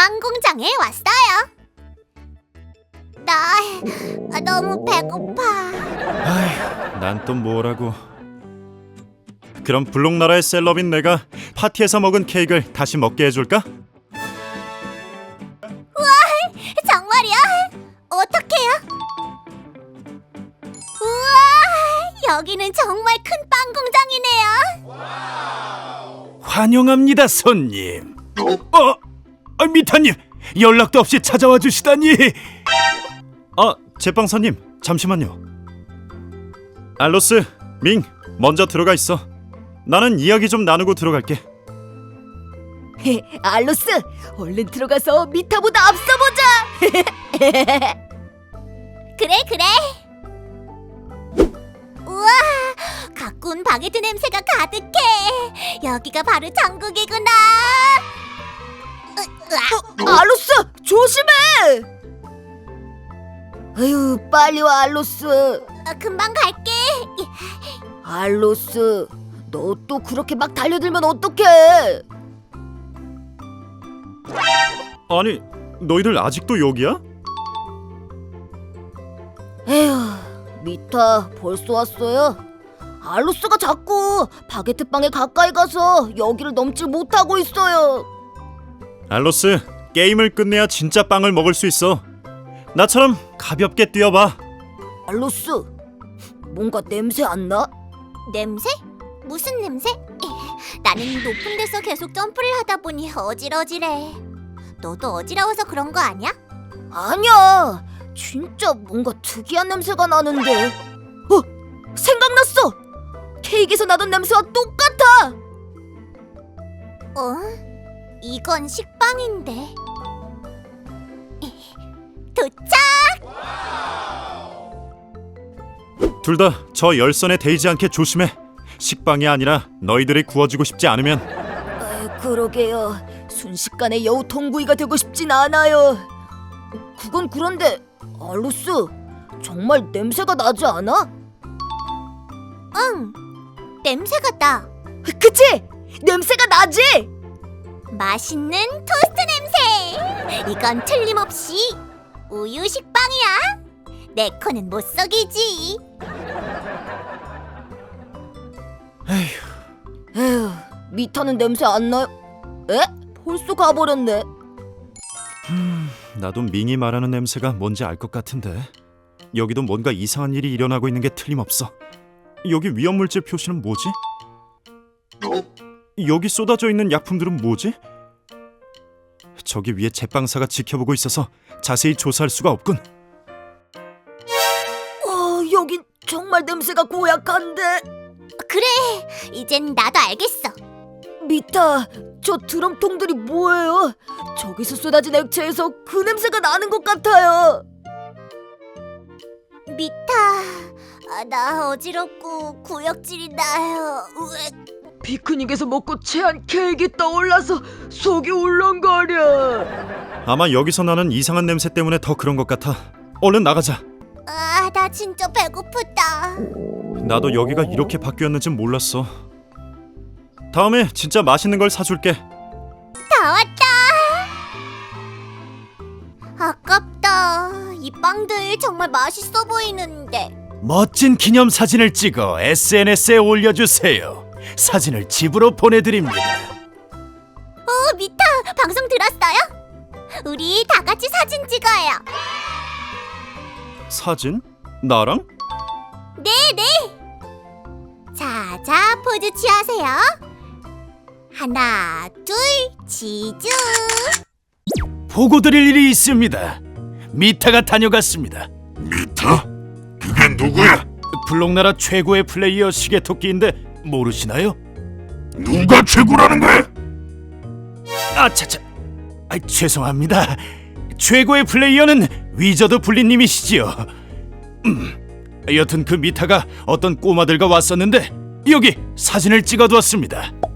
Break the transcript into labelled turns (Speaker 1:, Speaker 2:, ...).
Speaker 1: 빵 공장에 왔어요. 나 너무 배고파.
Speaker 2: 아휴, 난 또 뭐라고. 그럼 블록나라의 셀럽인 내가 파티에서 먹은 케이크를 다시 먹게 해줄까?
Speaker 1: 정말이야? 어떡해요? 우와, 여기는 정말 큰 빵 공장이네요.
Speaker 2: 환영합니다, 손님. 미타님, 연락도 없이 찾아와 주시다니. 제빵사님, 잠시만요. 알로스, 밍, 먼저 들어가 있어. 나는 이야기 좀 나누고 들어갈게.
Speaker 3: 알로스, 얼른 들어가서 미타보다 앞서보자.
Speaker 1: 그래. 우와, 가꾼 바게트 냄새가 가득해. 여기가 바로 천국이구나.
Speaker 3: 알로스, 조심해. 아유, 빨리 와, 알로스.
Speaker 1: 금방 갈게.
Speaker 3: 알로스, 너 또 그렇게 막 달려들면 어떡해?
Speaker 2: 아니, 너희들 아직도 여기야?
Speaker 3: 에휴, 미타 벌써 왔어요? 알로스가 자꾸 바게트 빵에 가까이 가서 여기를 넘지 못하고 있어요.
Speaker 2: 알로스, 게임을 끝내야 진짜 빵을 먹을 수 있어. 나처럼 가볍게 뛰어봐.
Speaker 3: 알로스, 뭔가 냄새 안 나?
Speaker 1: 냄새? 무슨 냄새? 나는 높은 데서 계속 점프를 하다 보니 어질어질해. 너도 어지러워서 그런 거 아니야?
Speaker 3: 아니야, 진짜 뭔가 특이한 냄새가 나는데. 생각났어! 케이크에서 나던 냄새와 똑같아!
Speaker 1: 이건 식빵인데. 도착!
Speaker 2: 둘 다 저 열선에 데이지 않게 조심해. 식빵이 아니라 너희들이 구워주고 싶지 않으면.
Speaker 3: 그러게요. 순식간에 여우 통구이가 되고 싶진 않아요. 그건 그런데 알로스, 정말 냄새가 나지 않아?
Speaker 1: 응, 냄새가 나.
Speaker 3: 그치? 냄새가 나지?
Speaker 1: 맛있는 토스트 냄새. 이건 틀림없이 우유 식빵이야. 내 코는 못 속이지.
Speaker 3: 에휴, 미타는 냄새 안 나요? 에? 벌써 가버렸네.
Speaker 2: 나도 밍이 말하는 냄새가 뭔지 알 것 같은데. 여기도 뭔가 이상한 일이 일어나고 있는 게 틀림없어. 여기 위험물질 표시는 뭐지? 여기 쏟아져 있는 약품들은 뭐지? 저기 위에 제빵사가 지켜보고 있어서 자세히 조사할 수가 없군.
Speaker 3: 여긴 정말 냄새가 고약한데.
Speaker 1: 그래, 이젠 나도 알겠어.
Speaker 3: 미타, 저 드럼통들이 뭐예요? 저기서 쏟아진 액체에서 그 냄새가 나는 것 같아요.
Speaker 1: 미타, 나 어지럽고 구역질이 나요. 으악.
Speaker 3: 피크닉에서 먹고 체한 케이크 떠올라서 속이 울렁거려.
Speaker 2: 아마 여기서 나는 이상한 냄새 때문에 더 그런 것 같아. 얼른 나가자.
Speaker 1: 나 진짜 배고프다.
Speaker 2: 나도 여기가 이렇게 바뀌었는지 몰랐어. 다음에 진짜 맛있는 걸 사줄게.
Speaker 1: 다 왔다. 아깝다. 이 빵들 정말 맛있어 보이는데.
Speaker 2: 멋진 기념사진을 찍어 SNS에 올려주세요. 사진을 집으로 보내드립니다.
Speaker 1: 미타, 방송 들었어요? 우리 다 같이 사진 찍어요.
Speaker 2: 사진? 나랑?
Speaker 1: 네네. 자, 포즈 취하세요. 하나, 둘, 치즈.
Speaker 2: 보고 드릴 일이 있습니다. 미타가 다녀갔습니다.
Speaker 4: 미타? 그게 누구야?
Speaker 2: 블록나라 최고의 플레이어 시계토끼인데 모르시나요?
Speaker 4: 누가 최고라는 거야?
Speaker 2: 아차차, 죄송합니다. 최고의 플레이어는 위저드 블리님이시지요. 여튼 그 미타가 어떤 꼬마들과 왔었는데 여기 사진을 찍어두었습니다.